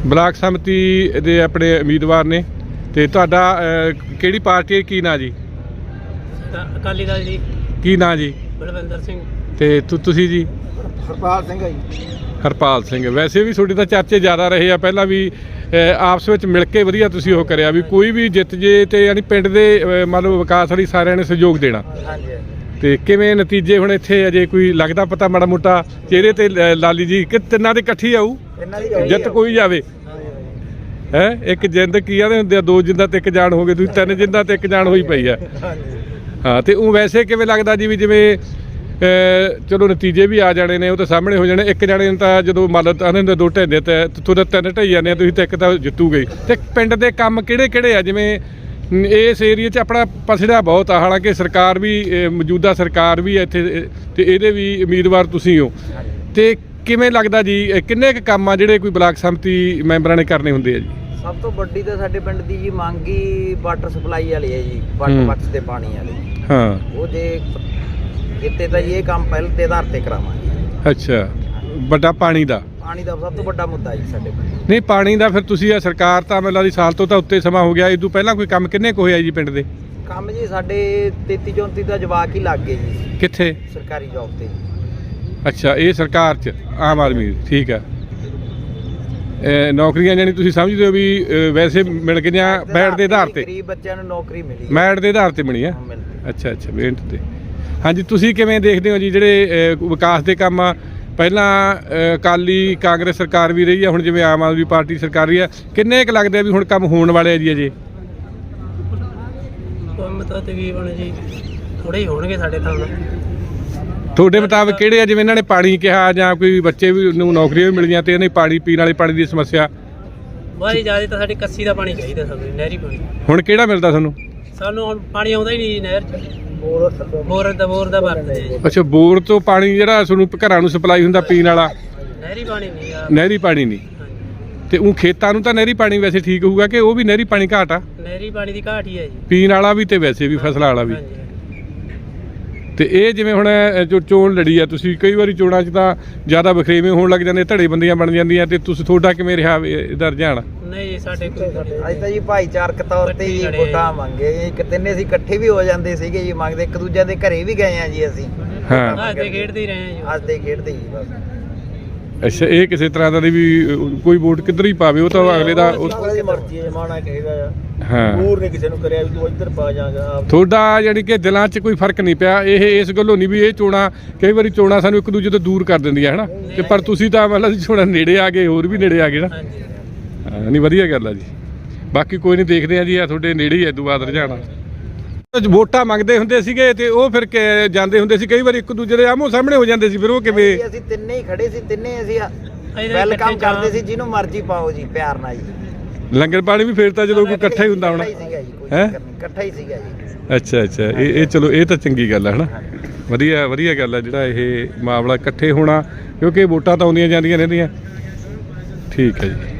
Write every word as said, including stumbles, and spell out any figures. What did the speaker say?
Block ਸਮਿਤੀ ਦੇ ਆਪਣੇ ਉਮੀਦਵਾਰ ਨੇ ਤੇ ਤੁਹਾਡਾ ਕਿਹੜੀ ਪਾਰਟੀ ਕੀ ਨਾਂ ਜੀ? ਅਕਾਲੀ ਦਲ ਜੀ। ਕੀ ਨਾਂ ਜੀ? ਬਲਵਿੰਦਰ ਸਿੰਘ। ਤੇ ਤੁਸੀਂ ਜੀ? ਹਰਪਾਲ ਸਿੰਘ ਹੈ ਜੀ। ਹਰਪਾਲ ਸਿੰਘ। ਵੈਸੇ ਵੀ ਤੁਹਾਡੇ ਤਾਂ ਚਰਚੇ ਜ਼ਿਆਦਾ ਰਹੇ ਆ, ਪਹਿਲਾਂ ਵੀ ਆਪਸ ਵਿੱਚ ਮਿਲ ਕੇ ਵਧੀਆ ਤੁਸੀਂ ਉਹ ਕਰਿਆ ਵੀ ਕੋਈ ਵੀ ਜਿੱਤ ਜੇ ਤੇ ਯਾਨੀ ਪਿੰਡ ਦੇ ਮੰਨ ਲਓ ਵਿਕਾਸ ਲਈ ਸਾਰਿਆਂ ਨੇ ਸਹਿਯੋਗ ਦੇਣਾ। ਹਾਂਜੀ। ਤੇ ਕਿਵੇਂ ਨਤੀਜੇ ਹੁਣ ਇੱਥੇ ਅਜੇ ਕੋਈ ਲੱਗਦਾ ਪਤਾ ਮਾੜਾ ਮੋਟਾ ਚਿਹਰੇ ਤੇ ਲਾਲੀ ਜੀ ਕਿ ਤਿੰਨਾਂ ਦੇ ਇਕੱਠੀ ਆਊ ਜਿੱਤ ਕੋਈ ਜਾਵੇ ਹੈ? ਇੱਕ ਜਿੰਦ ਕੀ ਆਦੇ ਹੁੰਦੇ ਆ, ਦੋ ਜਿੰਦਾਂ ਤੇ ਇੱਕ ਜਾਨ ਹੋ ਗਏ, ਤੁਸੀਂ ਤਿੰਨ ਜਿੰਦਾਂ ਤੇ ਇੱਕ ਜਾਨ ਹੋਈ ਪਈ ਆ। ਹਾਂ ਤੇ ਉਹ ਵੈਸੇ ਕਿਵੇਂ ਲੱਗਦਾ ਜੀ ਵੀ ਜਿਵੇਂ ਚਲੋ ਨਤੀਜੇ ਵੀ ਆ ਜਾਣੇ ਨੇ, ਉਹ ਤਾਂ ਸਾਹਮਣੇ ਹੋ ਜਾਣੇ, ਇੱਕ ਜਾਣੇ ਤਾਂ ਜਦੋਂ ਮੰਨ ਲਓ ਆਨੇ ਦੋ ਢਾਈਦੇ ਤੇ ਤੁਹਾਡੇ ਤਿੰਨ ਢਾਈ ਜਾਂਦੇ ਆ ਤੁਸੀਂ ਤਾਂ ਇੱਕ ਤਾਂ ਜਿੱਤੂ ਗਏ। ਤੇ ਪਿੰਡ ਦੇ ਕੰਮ ਕਿਹੜੇ ਕਿਹੜੇ ਆ? ਜਿਵੇਂ ਇਸ ਏਰੀਏ 'ਚ ਆਪਣਾ ਪਸੜਾ ਬਹੁਤ ਆ, ਹਾਲਾਂਕਿ ਸਰਕਾਰ ਵੀ ਮੌਜੂਦਾ ਸਰਕਾਰ ਵੀ ਹੈ ਇੱਥੇ ਤੇ ਇਹਦੇ ਵੀ ਉਮੀਦਵਾਰ ਤੁਸੀਂ ਹੋ, ਤੇ ਕਿਵੇਂ ਲੱਗਦਾ ਜੀ ਕਿੰਨੇ ਕੁ ਕੰਮ ਆ ਜਿਹੜੇ ਕੋਈ ਬਲਾਕ ਸੰਮਤੀ ਮੈਂਬਰਾਂ ਨੇ ਕਰਨੇ ਹੁੰਦੇ ਆ ਜੀ? ਸਭ ਤੋਂ ਵੱਡੀ ਤਾਂ ਸਾਡੇ ਪਿੰਡ ਦੀ ਜੀ ਮੰਗ ਹੀ ਵਾਟਰ ਸਪਲਾਈ ਵਾਲੀ ਹੈ ਜੀ, ਵਾਟਰ ਬਾਕਸ ਦੇ ਪਾਣੀ ਵਾਲੀ। ਹਾਂ, ਉਹ ਜੇ ਕਿਤੇ ਤਾਂ ਜੀ ਇਹ ਕੰਮ ਪਹਿਲ ਤੇ ਆਧਾਰ ਤੇ ਕਰਾਵਾਂਗੇ। ਅੱਛਾ, ਵੱਡਾ ਪਾਣੀ ਦਾ ਪਾਣੀ ਦਾ ਸਭ ਤੋਂ ਵੱਡਾ ਮੁੱਦਾ ਜੀ ਸਾਡੇ ਪਿੰਡ। ਨਹੀਂ ਪਾਣੀ ਦਾ ਫਿਰ ਤੁਸੀਂ ਆ ਸਰਕਾਰ ਤਾਂ ਮੈਨੂੰ ਲੱਗਦੀ ਸਾਲ ਤੋਂ ਤਾਂ ਉੱਤੇ ਸਮਾਂ ਹੋ ਗਿਆ, ਇਹ ਤੋਂ ਪਹਿਲਾਂ ਕੋਈ ਕੰਮ ਕਿੰਨੇ ਕੁ ਹੋਇਆ ਜੀ ਪਿੰਡ ਦੇ? ਕੰਮ ਜੀ ਸਾਡੇ ਤੇਤੀ ਚੌਂਤੀ ਦਾ ਜਵਾਕ ਹੀ ਲੱਗ ਗਏ ਜੀ। ਕਿੱਥੇ? ਸਰਕਾਰੀ ਜੌਬ ਤੇ। ਅੱਛਾ, ਇਹ ਸਰਕਾਰ 'ਚ ਆਮ ਆਦਮੀ, ਠੀਕ ਆ। ਨੌਕਰੀਆਂ ਜਾਨੀ ਤੁਸੀਂ ਸਮਝਦੇ ਹੋ ਵੀ ਵੈਸੇ ਮਿਲ ਗਈਆਂ ਮੈਰਿਟ ਦੇ ਆਧਾਰ ਤੇ? ਗਰੀਬ ਬੱਚਿਆਂ ਨੂੰ ਨੌਕਰੀ ਮਿਲੀ ਮੈਰਿਟ ਦੇ ਆਧਾਰ ਤੇ ਬਣੀ ਆ। ਅੱਛਾ ਅੱਛਾ, ਮਿਹਨਤ ਤੇ। ਹਾਂਜੀ, ਤੁਸੀਂ ਕਿਵੇਂ ਦੇਖਦੇ ਹੋ ਜੀ ਜਿਹੜੇ ਵਿਕਾਸ ਦੇ ਕੰਮ ਆ? ਪਹਿਲਾਂ ਅਕਾਲੀ ਕਾਂਗਰਸ ਸਰਕਾਰ ਵੀ ਰਹੀ ਆ, ਹੁਣ ਜਿਵੇਂ ਆਮ ਆਦਮੀ ਪਾਰਟੀ ਸਰਕਾਰ ਰਹੀ ਆ, ਕਿੰਨੇ ਕੁ ਲੱਗਦੇ ਆ ਵੀ ਹੁਣ ਕੰਮ ਹੋਣ ਵਾਲੇ ਆ ਜੀ ਅਜੇ? ਕੰਮ ਤਾਂ ਤਕਰੀਬਨ ਜੀ ਥੋੜੇ ਹੀ ਹੋਣਗੇ ਸਾਡੇ ਤਾਂ। ਤੁਹਾਡੇ ਮੁਤਾਬਕ ਕਿਹੜੇ ਆ? ਜਿਵੇਂ ਇਹਨਾਂ ਨੇ ਪਾਣੀ ਕਿਹਾ ਜਾਂ ਕੋਈ ਬੱਚੇ ਵੀ ਨੂੰ ਨੌਕਰੀਆਂ ਵੀ ਮਿਲੀਆਂ ਤੇ ਇਹਨੇ ਪਾਣੀ ਪੀਣ ਵਾਲੇ ਪਾਣੀ ਦੀ ਸਮੱਸਿਆ ਬਾਈ ਜ਼ਿਆਦਾ ਤਾਂ ਸਾਡੀ ਕੱਸੀ ਦਾ ਪਾਣੀ ਚਾਹੀਦਾ ਸਾਨੂੰ, ਨਹਿਰੀ ਪਾਣੀ। ਹੁਣ ਕਿਹੜਾ ਮਿਲਦਾ ਸਾਨੂੰ? ਸਾਨੂੰ ਹੁਣ ਪਾਣੀ ਆਉਂਦਾ ਹੀ ਨਹੀਂ ਨਹਿਰ 'ਚ, ਬੋਰ ਦਾ ਬੋਰ ਦਾ ਵਰਤਦੇ ਜੀ। ਅੱਛਾ, ਬੋਰ ਤੋਂ ਪਾਣੀ ਜਿਹੜਾ ਤੁਹਾਨੂੰ ਘਰਾਂ ਨੂੰ ਸਪਲਾਈ ਹੁੰਦਾ ਪੀਣ ਵਾਲਾ? ਨਹਿਰੀ ਪਾਣੀ ਨਹੀਂ ਆ। ਨਹਿਰੀ ਪਾਣੀ ਨਹੀਂ। ਤੇ ਉਹ ਖੇਤਾਂ ਨੂੰ ਤਾਂ ਨਹਿਰੀ ਪਾਣੀ ਵੈਸੇ ਠੀਕ ਹੋਊਗਾ ਕਿ ਉਹ ਵੀ ਨਹਿਰੀ ਪਾਣੀ ਘਾਟ ਆ? ਨਹਿਰੀ ਪਾਣੀ ਦੀ ਘਾਟ ਹੀ ਹੈ ਜੀ, ਪੀਣ ਵਾਲਾ ਵੀ ਤੇ ਵੈਸੇ ਵੀ ਫਸਲਾਂ ਵਾਲਾ ਵੀ। ਤੇ ਇਹ ਜਿਵੇਂ ਹੁਣ ਜੋ ਚੋਣ ਲੜੀ ਆ ਤੁਸੀਂ, ਕਈ ਵਾਰੀ ਚੋਣਾਂ 'ਚ ਤਾਂ ਜ਼ਿਆਦਾ ਵਖਰੇਵੇਂ ਹੋਣ ਲੱਗ ਜਾਂਦੇ, ਧੜੇ ਬੰਦੀਆਂ ਬਣ ਜਾਂਦੀਆਂ, ਤੇ ਤੁਸੀਂ ਤੁਹਾਡਾ ਕਿਵੇਂ ਰਿਹਾ ਇਹਦਾ ਰੁਝਾਨ? ਨਹੀਂ ਸਾਡੇ ਕੋਈ ਅੱਜ ਤਾਂ ਜੀ ਭਾਈਚਾਰਕ ਤੌਰ ਤੇ ਹੀ ਵੋਟਾਂ ਮੰਗੇ ਜੀ, ਤਿੰਨੇ ਅਸੀਂ ਇਕੱਠੇ ਵੀ ਹੋ ਜਾਂਦੇ ਸੀਗੇ ਜੀ, ਮੰਗਦੇ ਇੱਕ ਦੂਜੇ ਦੇ ਘਰੇ ਵੀ ਗਏ ਆ ਜੀ ਅਸੀਂ। ਹਾਂ, ਹੱਸਦੇ ਖੇਡਦੇ ਹੀ ਰਹੇ ਆ ਜੀ। ਹੱਸਦੇ ਖੇਡਦੇ ਹੀ ਬਸ। ਅੱਛਾ, ਇਹ ਕਿਸੇ ਤਰ੍ਹਾਂ ਦਾ ਵੀ ਕੋਈ ਵੋਟ ਕਿੱਧਰ ਹੀ ਪਾਵੇ, ਉਹ ਤਾਂ ਅਗਲੇ ਦਾ ਮਰਜ਼ੀ ਹੈ, ਮਾਣਾ ਕਹੇਗਾ ਆ। ਹਾਂ, ਹੋਰ ਨਹੀਂ ਕਿਸੇ ਨੂੰ ਕਰਿਆ ਵੀ ਤੂੰ ਇੱਧਰ ਪਾ ਜਾਗਾ। ਤੁਹਾਡਾ ਯਾਨੀ ਕਿ ਦਿਲਾਂ 'ਚ ਕੋਈ ਫਰਕ ਨਹੀਂ ਪਿਆ ਇਹ ਇਸ ਗੱਲੋਂ ਨਹੀਂ ਵੀ ਇਹ ਚੋਣਾਂ, ਕਈ ਵਾਰੀ ਚੋਣਾਂ ਸਾਨੂੰ ਇੱਕ ਦੂਜੇ ਤੋਂ ਦੂਰ ਕਰ ਦਿੰਦੀਆਂ ਹੈ ਨਾ, ਤੇ ਪਰ ਤੁਸੀਂ ਤਾਂ ਮਤਲਬ ਚੋਣਾਂ ਨੇੜੇ ਆ ਗਏ, ਹੋਰ ਵੀ ਨੇੜੇ ਆ ਗਏ ਨਾ। ਹਾਂ, ਨਹੀਂ ਵਧੀਆ ਗੱਲ ਆ ਜੀ। ਬਾਕੀ ਕੋਈ ਨਹੀਂ, ਦੇਖਦੇ ਆ ਜੀ, ਆ ਤੁਹਾਡੇ ਨੇੜੇ ਹੀ ਐਦੋਂ ਬਾਅਦ ਰੁਝਾਣਾ। ਵੋਟਾਂ ਮੰਗਦੇ ਹੁੰਦੇ ਸੀਗੇ ਤੇ ਉਹ ਫਿਰ ਜਾਂਦੇ ਹੁੰਦੇ ਸੀ, ਕਈ ਵਾਰੀ ਇੱਕ ਦੂਜੇ ਦੇ ਆਮੋ ਸਾਹਮਣੇ ਹੋ ਜਾਂਦੇ ਸੀ, ਫਿਰ ਉਹ ਕਿਵੇਂ? ਅਸੀਂ ਤਿੰਨੇ ਹੀ ਖੜੇ ਸੀ, ਤਿੰਨੇ ਅਸੀਂ ਵੈਲਕਮ ਕਰਦੇ ਸੀ, ਜਿਹਨੂੰ ਮਰਜ਼ੀ ਪਾਓ ਜੀ, ਪਿਆਰ ਨਾਲ ਜੀ। ਲੰਗਰ ਪਾਣੀ ਵੀ ਫੇਰ ਤਾਂ ਜਦੋਂ ਕੋਈ ਇਕੱਠਾ ਹੀ ਹੁੰਦਾ ਹੋਣਾ ਹੈ? ਇਕੱਠਾ ਹੀ ਸੀਗਾ ਜੀ। ਅੱਛਾ ਅੱਛਾ, ਇਹ ਇਹ ਚਲੋ ਇਹ ਤਾਂ ਚੰਗੀ ਗੱਲ ਹੈ ਹਨਾ, ਵਧੀਆ ਵਧੀਆ ਗੱਲ ਹੈ ਜਿਹੜਾ ਇਹ ਮਾਮਲਾ ਇਕੱਠੇ ਹੋਣਾ, ਕਿਉਂਕਿ ਵੋਟਾਂ ਤਾਂ ਆਉਂਦੀਆਂ ਜਾਂਦੀਆਂ ਰਹਿੰਦੀਆਂ। ਠੀਕ ਹੈ ਜੀ।